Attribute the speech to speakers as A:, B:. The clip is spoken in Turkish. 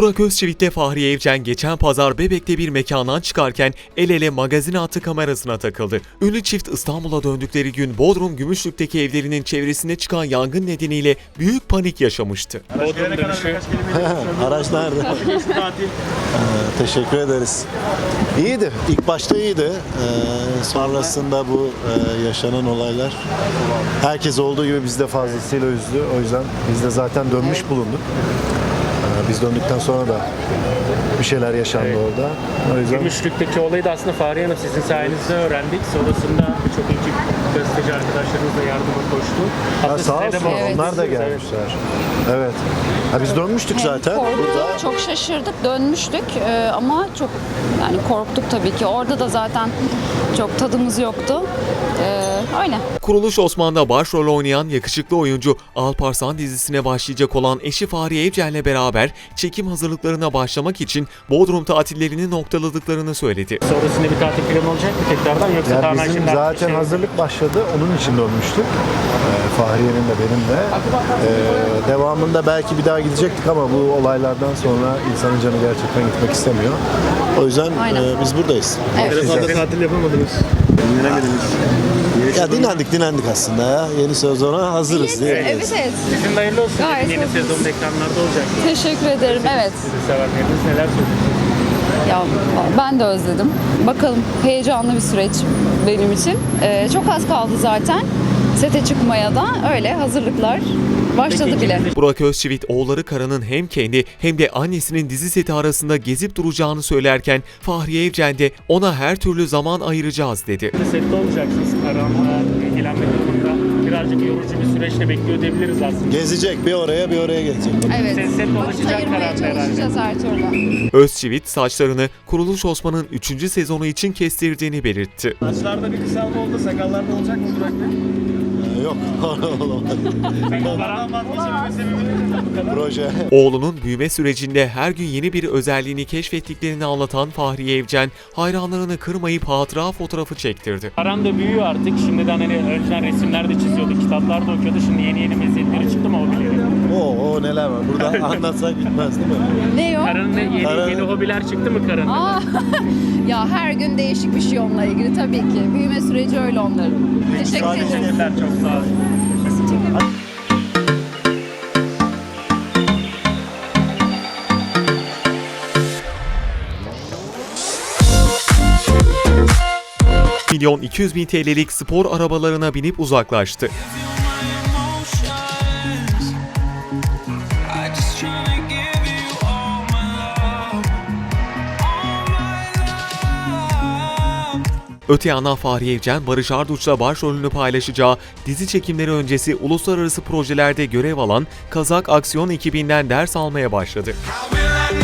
A: Burak Özçivit'le Fahriye Evcen geçen pazar Bebek'te bir mekandan çıkarken el ele magazin hattı kamerasına takıldı. Ünlü çift İstanbul'a döndükleri gün Bodrum Gümüşlük'teki evlerinin çevresine çıkan yangın nedeniyle büyük panik yaşamıştı.
B: Bodrum dönüşü.
C: Araç nerede? Teşekkür ederiz. İyiydi. İlk başta iyiydi. Sonrasında bu yaşanan olaylar herkes olduğu gibi biz de fazlasıyla üzdü. O yüzden biz de zaten dönmüş bulunduk. Biz döndükten sonra da bir şeyler yaşandı orada. O yüzden
B: Gümüşlük'teki olayı da aslında Fahriye Hanım sizin sayenizde öğrendik. Sonrasında birçok ekip gazeteci arkadaşlarımız da yardıma koştu.
C: sağ
B: size de
C: olsun
B: bağlı.
C: onlar da gelmişler. Evet. Biz dönmüştük zaten.
D: Korktuk, çok şaşırdık, dönmüştük ama çok yani korktuk tabii ki. Orada da zaten çok tadımız yoktu. Öyle.
A: Kuruluş Osman'da başrol oynayan yakışıklı oyuncu Alparslan dizisine başlayacak olan eşi Fahriye Evcen'le beraber çekim hazırlıklarına başlamak için Bodrum tatillerini noktaladıklarını söyledi.
B: Sonrasında bir tatil planı olacak mı tekrardan yoksa
C: Ya
B: tamamen
C: bizim
B: şimdi
C: zaten hazırlık başladı. Onun için dönmüştük. Fahriye'nin de benim de. Devamında belki bir daha gidecektik ama bu olaylardan sonra insanın canı gerçekten gitmek istemiyor. O yüzden
D: Aynen.
C: Biz buradayız.
D: Evet.
E: Tatil yapamadınız. Dinlenemediniz.
C: Ya dinlendik aslında ya. Yeni sezona hazırız diye.
D: Evet.
B: Sizin de hayırlı olsun.
D: Gayet
B: Yeni
D: hoş.
B: sezonun ekranlarda olacak.
D: Teşekkür ederim. Evet.
B: Sizi sevenleriniz neler söyleyeceksiniz?
D: Ya ben de özledim. Bakalım, heyecanlı bir süreç benim için. Çok az kaldı zaten. Sete çıkmaya da öyle hazırlıklar başladı
B: Peki,
D: bile.
A: Burak Özçivit oğulları Karan'ın hem kendi hem de annesinin dizi seti arasında gezip duracağını söylerken Fahriye Evcen de ona her türlü zaman ayıracağız dedi.
B: Sette olacaksınız. Karanlığa ilgilenme durumunda birazcık yorucu bir süreçle bekliyor diyebiliriz aslında.
C: Gezecek bir oraya gelecek.
D: Evet.
B: Set
D: Vakit
B: dolaşacak
D: ayırmaya
B: herhalde.
D: çalışacağız her türlü.
A: Özçivit saçlarını Kuruluş Osman'ın 3. sezonu için kestirdiğini belirtti.
E: Saçlarda bir kısalma oldu. Sakallarda olacak mı Burak Bey?
C: Yok. Olamadı.
B: Karan vazgeçmemin sebebi bu kadar.
C: Proje.
A: Oğlunun büyüme sürecinde her gün yeni bir özelliğini keşfettiklerini anlatan Fahriye Evcen hayranlarını kırmayıp hatıra fotoğrafı çektirdi.
B: Karan da büyüyor artık. Şimdiden hani önceden resimler de çiziyordu, kitaplar da okuyordu. Şimdi yeni meziyetleri çıktı mı hobileri?
C: Oo neler var. Burada anlatsak bitmez değil mi?
D: Ne o?
B: Karan'ın yeni hobiler çıktı mı Karan'ın?
D: Aa, ya her gün değişik bir şey onunla ilgili tabii ki. Büyüme süreci öyle onların. Teşekkür ederim.
B: Teşekkürler, çok sağ olun.
A: 1.200.000 TL'lik spor arabalarına binip uzaklaştı. Öte yandan Fahriye Evcen, Barış Arduç'la başrolünü paylaşacağı dizi çekimleri öncesi uluslararası projelerde görev alan Kazak aksiyon ekibinden ders almaya başladı.